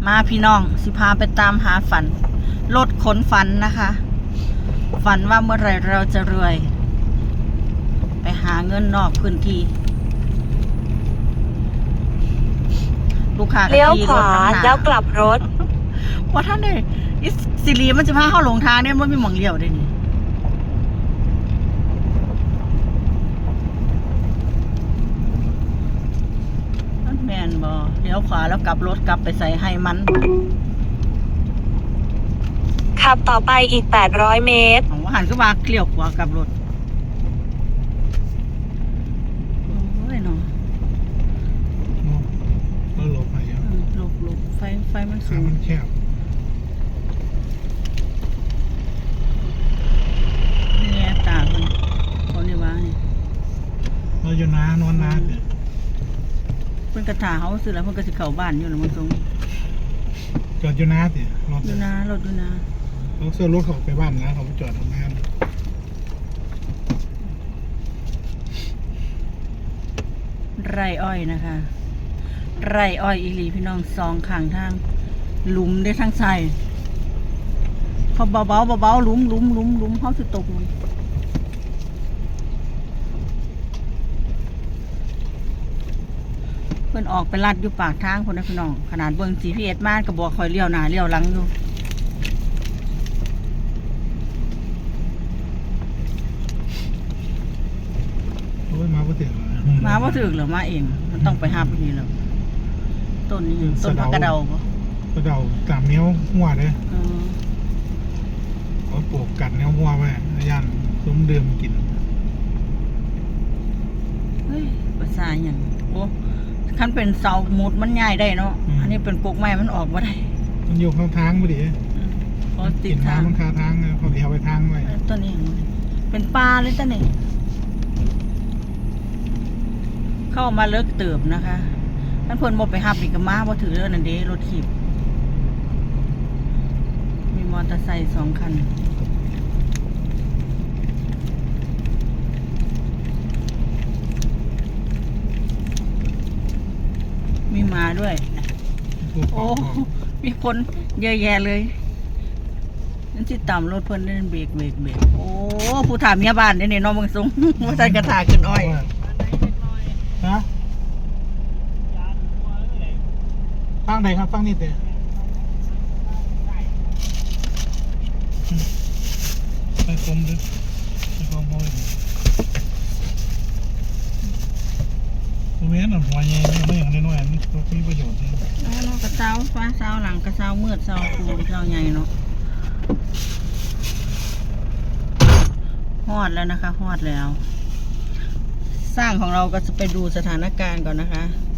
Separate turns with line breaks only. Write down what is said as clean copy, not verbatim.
มาพี่น้องสิพาไปตามหาฝันรถขนฝันนะคะ ฝันว่าเมื่อไรเราจะรวย ไปหาเงินนอกพื้นที่ลูกค้าก็
เลี้ยว
ขี่
ข
รถ
วา
น้ำหนา
แล้วกลับรถ
ว่าท่านเนี่ยสิริมันจะพาเข้าหลงทางเนี่ยมันมีหม่องเลี้ยวได้นี่นั่นแมนบอเลี้ยวขวาแล้วกลับรถกลับไปใส่ให้มัน
ขับต่อไปอีก800เมตร
ของว่าหันก็มาเลี้ยวขวากลับรถโอ้ยเนาะ
ก็หลบไปเยอะ
หลบไฟมันสู
ทาง
ง
มันแคบ
แง่ตาคนเขาเนี่ยว่านี่
เราอยู่นานอนนานเนี่ย
เพิ่นกระถาเขาซื้อแล้วเพิ่นก็สิเข้าบ้านอยู่นะมันตรง
จอดอยู่นาสิรถ
ดูนะรถดูนะ
เราเสื้อรถเขาไปบ้านนะเขาไปจอดทำงาน
ไร่อ้อยนะคะ ไร่อ้อยอีหลีพี่น้องสองข้างทางหลุมได้ทั้งใส่เขาเบาหลุมเขาสิตกมันเพิ่นออกไปลัดอยู่ปากทางคนนะพี่น้องขนาดเบิ่ง GPS มาก็บอกคอยเลี้ยวหน้าเลี้ยวหลังอยู่
โอ้ยมาบ่ถึง
มาว่าถึกหรือมาเองมันต้องไปหาไปนี่แล้วต้นนี้ต้นผักกระเดาปะ
ก็เดาตามแนวหัวเลย
เออ
เขาปลูกกัดแนวหัวไว้ย่านซุ้มเดิมกิน
เฮ้ยภาษาอย่างโอ้คันเป็นเสาหมุดมันง่ายได้เนาะอันนี้เป็นกกไม้มันออกมาได้
มันอยู่ข้างทางพอดี
พอติ
กิ
ด
น
ทาง
น้ำมันคาทางเขาเลี้ยวไปทางไว้
ต้นนี้เป็นปลาเลยต้นนี้เข้ามาเลิกเติบนะคะท่านเพิ่นบอกไปหับอีกกับม้าบ่ถือเรื่องนั่นเด้รถขีบมีมอเตอร์ไซค์2 คันมีหมาด้วย โอ้มีคนเยอะแยะเลยนั่นที่ต่ำรถเพิ่นนั่นเบรกโอ้ผู้ถามเมียบ้านเนี่ยน้องเมืองสงว่าใส่กระถาขึ้นอ้อย
ฮะฟังไหนครับฟังนี่เตะไปกลมดิไปกลมโมยเว้นหัวใหญ่ไม่อย่างน้อยๆมันมีประโยชน์
น้องกระเซ้าฟ้าเซ้าหลังกระเซ้ามืดเซ้าคูเซ้าใหญ่เนาะฮอดแล้วนะคะฮอดแล้ว สร้างของเราก็จะไปดูสถานการณ์ก่อนนะคะ